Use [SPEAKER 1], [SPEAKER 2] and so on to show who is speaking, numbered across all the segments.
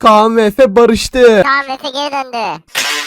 [SPEAKER 1] Kaan ve Efe barıştı.
[SPEAKER 2] Kaan Efe geri döndü.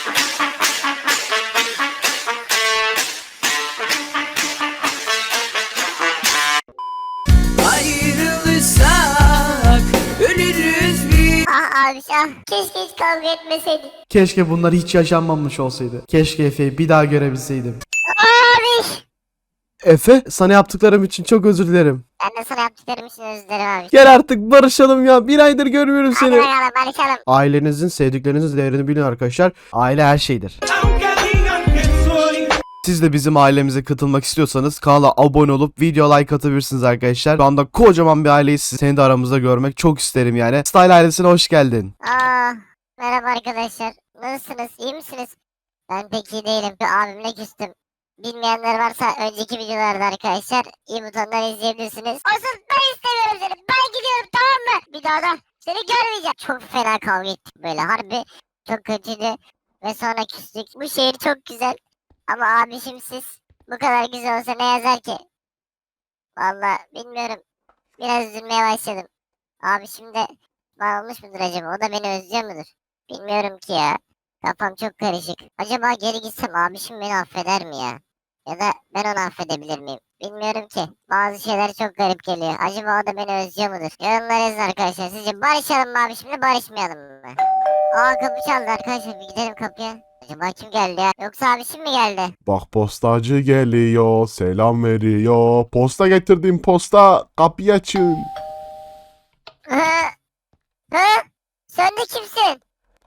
[SPEAKER 3] Ayrılırsak ölürüz biz.
[SPEAKER 2] Ah abi ah. Keşke hiç kavga etmeseydik.
[SPEAKER 1] Keşke bunlar hiç yaşanmamış olsaydı. Keşke Efe'yi bir daha görebilseydim.
[SPEAKER 2] Abi.
[SPEAKER 1] Efe, sana yaptıklarım için çok özür dilerim.
[SPEAKER 2] Ben de sana yaptıklarım için özür dilerim abi.
[SPEAKER 1] Gel artık barışalım ya. Bir aydır görmüyorum
[SPEAKER 2] Hadi
[SPEAKER 1] seni.
[SPEAKER 2] bakalım barışalım.
[SPEAKER 1] Ailenizin, sevdiklerinizin değerini bilin arkadaşlar. Aile her şeydir. Siz de bizim ailemize katılmak istiyorsanız kanala abone olup video like atabilirsiniz arkadaşlar. Şu anda kocaman bir aileyiz. Seni de aramızda görmek çok isterim yani. Style ailesine hoş geldin.
[SPEAKER 2] Merhaba arkadaşlar. Nasılsınız? İyi misiniz? Ben pek iyi değilim. Bir abimle küstüm. Bilmeyenler varsa önceki videolarda arkadaşlar iyi butondan izleyebilirsiniz. Asıl ben istemiyorum seni. Ben gidiyorum, tamam mı? Bir daha da seni görmeyeceğim. Çok fena kavga ettik böyle. Harbi çok kötüydü. Ve sonra küstük. Bu şehir çok güzel. Ama abişim siz bu kadar güzel olsa ne yazar ki? Vallahi bilmiyorum. Biraz üzülmeye başladım. Abişim de bağlamış mıdır acaba? O da beni özlüyor mudur? Bilmiyorum ki ya. Kafam çok karışık. Acaba geri gitsem abişim beni affeder mi ya? Ya da ben onu affedebilir miyim? Bilmiyorum ki. Bazı şeyler çok garip geliyor. Acaba o da beni özlüyor mudur? Yorumlara yazın arkadaşlar. Sizce barışalım mı abişimle, barışmayalım mı? Aa, kapı çaldı arkadaşlar. Bir gidelim kapıya. Acaba kim geldi ya? Yoksa abişim mi geldi?
[SPEAKER 4] Bak postacı geliyor, selam veriyor. Posta getirdim posta, kapıyı açın.
[SPEAKER 2] Hı? Hı? Sen de kimsin?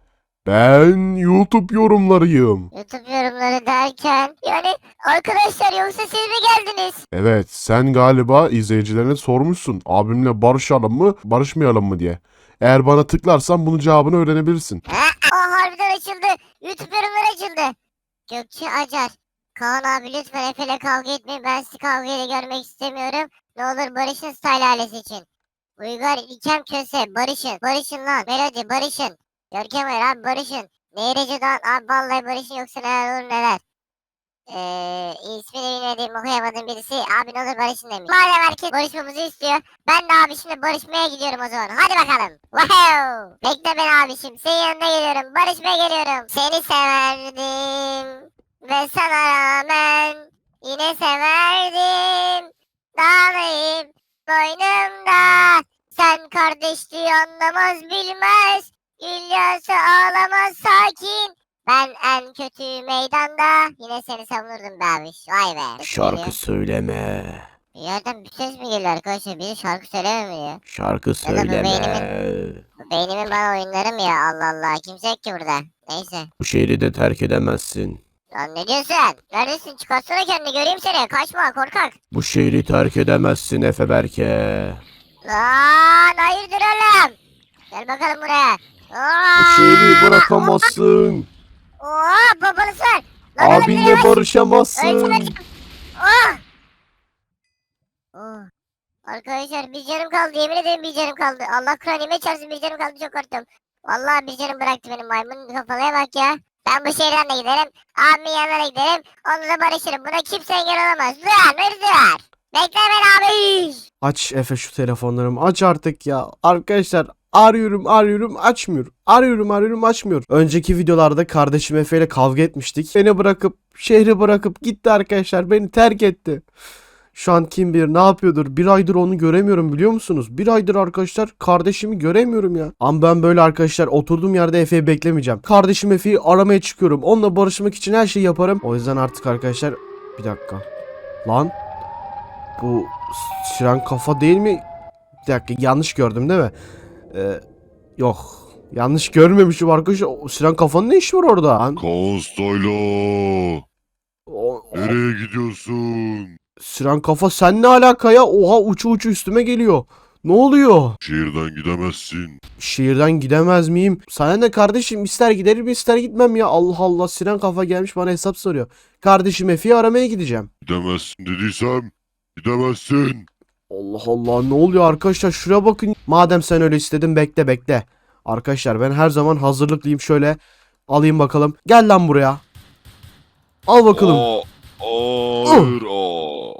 [SPEAKER 4] Ben YouTube yorumlarıyım.
[SPEAKER 2] YouTube yorumları derken yani arkadaşlar, yoksa siz mi geldiniz?
[SPEAKER 4] Evet, sen galiba izleyicilerine sormuşsun. Abimle barışalım mı, barışmayalım mı diye. Eğer bana tıklarsan bunun cevabını öğrenebilirsin.
[SPEAKER 2] Harbiden açıldı. YouTube yorumları açıldı. Gökçe Acar. Kaan abi lütfen Efe'yle kavga etmeyin. Ben sizi kavgayla görmek istemiyorum. Ne olur barışın Style ailesi için. Uygar İlkem Köse barışın. Barışın lan. Melody barışın. Görkem Ayar abi barışın. Nehir Ece Doğan abi vallahi barışın, yoksa neler olur neler. İsmini bilmediğim, okuyamadığım birisi abi ne olur barışın demiş. Madem herkes barışmamızı istiyor, ben de abişimle barışmaya gidiyorum o zaman. Hadi bakalım. Wow. Bekle beni abişim. Senin yanına geliyorum. Barışmaya geliyorum. Seni severdim. Ve sana rağmen yine severdim. Dağlayıp boynumda. Sen kardeşliği anlamaz bilmez. Gülyası ağlamaz sakin. Ben en kötü meydanda yine seni savunurdum be abiş. Vay be.
[SPEAKER 1] Şarkı söyleme.
[SPEAKER 2] Bir yerden bir ses mi geliyor arkadaşlar? Biri şarkı söylemiyor.
[SPEAKER 1] Şarkı
[SPEAKER 2] Ya da bu beynimin bana oyunları mı ya? Allah Allah. Kimse yok ki burada. Neyse.
[SPEAKER 1] Bu şehri de terk edemezsin.
[SPEAKER 2] Lan ne diyorsun? Neredesin? Çıkarsana kendini, göreyim seni. Kaçma korkak.
[SPEAKER 1] Bu şehri terk edemezsin Efe Berke.
[SPEAKER 2] Lan hayırdır oğlum? Gel bakalım buraya.
[SPEAKER 1] Bu şehri bırakamazsın.
[SPEAKER 2] Oo, babanız var. Lan oğlum,
[SPEAKER 1] Abinle
[SPEAKER 2] yürü yavaş.
[SPEAKER 1] barışamazsın.
[SPEAKER 2] Ölçün. Oh. Oh. Arkadaşlar bir canım kaldı, yemin ederim bir canım kaldı. Allah Kur'an çarpsın, bir canım kaldı, çok korktum. Vallahi bir canım bıraktı benim maymun kafalıya bak ya. Ben bu şehirden de giderim, abimin yanına giderim, onunla da barışırım. Buna kimse engel olamaz. Dur. Bekle beni abi.
[SPEAKER 1] Aç Efe şu telefonlarımı, aç artık ya. Arkadaşlar arıyorum açmıyor. Arıyorum açmıyor. Önceki videolarda kardeşim Efe ile kavga etmiştik. Beni bırakıp şehri bırakıp gitti arkadaşlar. Beni terk etti. Şu an kim bilir ne yapıyordur. Bir aydır onu göremiyorum, biliyor musunuz? Bir aydır arkadaşlar kardeşimi göremiyorum ya. Ama ben böyle arkadaşlar oturduğum yerde Efe'yi beklemeyeceğim. Kardeşim Efe'yi aramaya çıkıyorum. Onunla barışmak için her şeyi yaparım. O yüzden artık arkadaşlar bir dakika. Lan bu siren kafa değil mi? Bir dakika, yanlış gördüm değil mi? Yok. Yanlış görmemişim arkadaşlar. O siren kafanın ne işi var orada?
[SPEAKER 4] Konstoylo,
[SPEAKER 1] O,
[SPEAKER 4] nereye gidiyorsun?
[SPEAKER 1] siren kafa sen ne alaka ya? Oha, uçu üstüme geliyor. Ne oluyor?
[SPEAKER 4] Şehirden gidemezsin.
[SPEAKER 1] Şehirden gidemez miyim? Sana ne kardeşim, ister giderim ister gitmem ya. Allah Allah, siren kafa gelmiş bana hesap soruyor. Kardeşim Efe'yi aramaya gideceğim.
[SPEAKER 4] Gidemezsin dediysem gidemezsin.
[SPEAKER 1] Allah Allah, ne oluyor arkadaşlar, şuraya bakın. Madem sen öyle istedin, bekle. Arkadaşlar ben her zaman hazırlıklıyım, şöyle alayım bakalım. Gel lan buraya. Al bakalım.
[SPEAKER 4] Hayır.